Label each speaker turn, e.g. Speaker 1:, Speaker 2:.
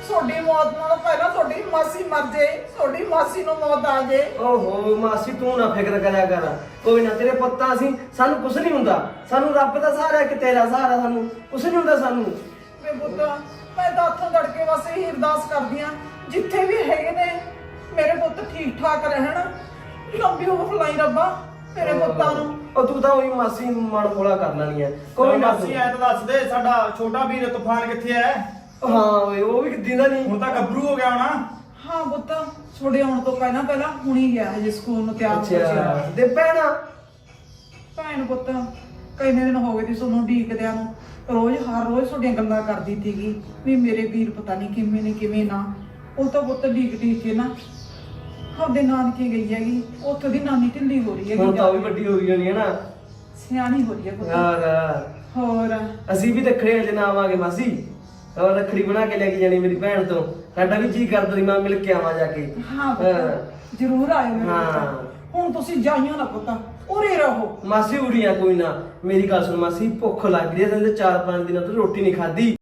Speaker 1: ਤੁਹਾਡੀ ਮੌਤ ਨਾਲੋਂ ਪਹਿਲਾਂ ਤੁਹਾਡੀ ਮਾਸੀ ਮਰ ਜੇ, ਤੁਹਾਡੀ ਮਾਸੀ ਨੂੰ ਮੌਤ ਆ ਜੇ।
Speaker 2: ਓਹੋ ਮਾਸੀ ਤੂੰ ਨਾ ਫਿਕਰ ਕਰਿਆ ਕਰ, ਕੋਈ ਨਾ ਤੇਰੇ ਪੁੱਤਾਂ ਅਸੀਂ, ਸਾਨੂੰ ਕੁਛ ਨਹੀਂ ਹੁੰਦਾ, ਸਾਨੂੰ ਰੱਬ ਦਾ ਸਹਾਰਾ ਇੱਕ ਤੇਰਾ ਸਹਾਰਾ, ਸਾਨੂੰ ਕੁਛ ਨਹੀਂ ਹੁੰਦਾ ਸਾਨੂੰ।
Speaker 1: ਵੇ ਪੁੱਤ ਮੈਂ ਤਾਂ ਹੱਥੋਂ ਲੜ ਕੇ ਬਸ ਇਹੀ ਅਰਦਾਸ ਕਰਦੀ ਆ ਜਿੱਥੇ ਵੀ ਹੈਗੇ ਨੇ ਮੇਰੇ ਪੁੱਤ ਠੀਕ ਠਾਕ ਰਹਿਣ, ਲੰਬੀ ਉਮਰ ਫਲਾਈ ਰੱਬਾ ਮੇਰੇ ਪੁੱਤਾਂ ਨੂੰ।
Speaker 2: ਉਹ ਤੂੰ ਤਾਂ ਉਹੀ ਮਾਸੀ ਮਨ ਖੋਲਾ ਕਰ ਲੈਣੀ ਹੈ, ਕੋਈ ਨਾ
Speaker 3: ਮਾਸੀ ਐ ਤਾਂ ਦੱਸ ਦੇ ਸਾਡਾ ਛੋਟਾ ਵੀਰ ਤੂਫਾਨ ਕਿੱਥੇ ਐ?
Speaker 2: ਹਾਂ ਓਏ ਉਹ ਵੀ ਦਿੰਦਾ ਨਹੀਂ,
Speaker 3: ਹੁਣ ਤਾਂ ਗੱਭਰੂ ਹੋ ਗਿਆ ਹੋਣਾ।
Speaker 1: ਹਾਂ ਪੁੱਤ ਛੋੜੇ ਆਉਣ ਤੋਂ ਪਹਿਲਾਂ ਹੁਣੀ ਗਿਆ ਹਜੇ ਸਕੂਲ ਨੂੰ ਤਿਆਰ ਹੋ ਗਿਆ।
Speaker 2: ਅੱਛਾ ਤੇ ਭੈਣਾ
Speaker 1: ਭੈਣ ਪੁੱਤ ਕਿੰਨੇ ਦਿਨ ਹੋ ਗਏ ਸੀ ਤੁਹਾਨੂੰ ਉਡੀਕਦਿਆਂ ਨੂੰ, ਹਰ ਰੋਜ਼ ਤੁਹਾਡੀਆਂ ਗੱਲਾਂ ਕਰਦੀ ਸੀਗੀ ਵੀ ਮੇਰੇ ਵੀਰ ਪਤਾ ਨਹੀਂ ਕਿਵੇਂ ਨੇ ਕਿਵੇਂ ਨਾ। ਉਹ ਤਾਂ ਪੁੱਤ ਢੀਕ ਕੇ ਨਾ ਆਪਦੇ ਨਾਨਕੇ ਗਈ ਹੈਗੀ, ਉੱਥੋਂ ਦੀ ਨਾਨੀ ਢਿੱਲੀ ਹੋ ਰਹੀ
Speaker 2: ਹੁਣ ਤਾਂ ਉਹ ਵੀ
Speaker 1: ਹੈਗੀ,
Speaker 2: ਵੱਡੀ ਹੋ ਗਈ ਹੋਣੀ ਹੈ ਨਾ,
Speaker 1: ਸਿਆਣੀ ਹੋ ਰਹੀ ਹੈ ਪੁੱਤ।
Speaker 2: ਯਾਰ
Speaker 1: ਹੋਰ
Speaker 2: ਅਸੀਂ ਵੀ ਰੱਖੜੇ ਹਜੇ ਨਾ ਆਵਾਂਗੇ ਮਾਸੀ, ਹੋਰ ਰੱਖੜੀ ਬਣਾ ਕੇ ਲੈ ਕੇ ਜਾਣੀ ਮੇਰੀ ਭੈਣ ਤੋਂ, ਸਾਡਾ ਵੀ ਜੀ ਕਰਦਾ ਸੀ ਮੈਂ ਮਿਲ ਕੇ ਆਵਾਂ ਜਾ ਕੇ।
Speaker 1: ਹਾਂ ਪੁੱਤ ਜ਼ਰੂਰ ਆਇਓ ਮੇਰੇ
Speaker 2: ਹਾਂ।
Speaker 1: ਪੁੱਤ। ਹੁਣ ਤੁਸੀਂ ਜਾਈਓ ਨਾ ਪੁੱਤ, ਉਰੇ ਰਹੋ।
Speaker 2: ਮਾਸੀ ਉੜੀਆਂ ਕੋਈ ਨਾ, ਮੇਰੀ ਗੱਲ ਸੁਣ ਮਾਸੀ, ਭੁੱਖ ਲੱਗ ਰਹੀ ਹੈ, ਤੇ 4-5 ਦਿਨਾਂ ਤੋਂ ਰੋਟੀ ਨਹੀਂ ਖਾਧੀ।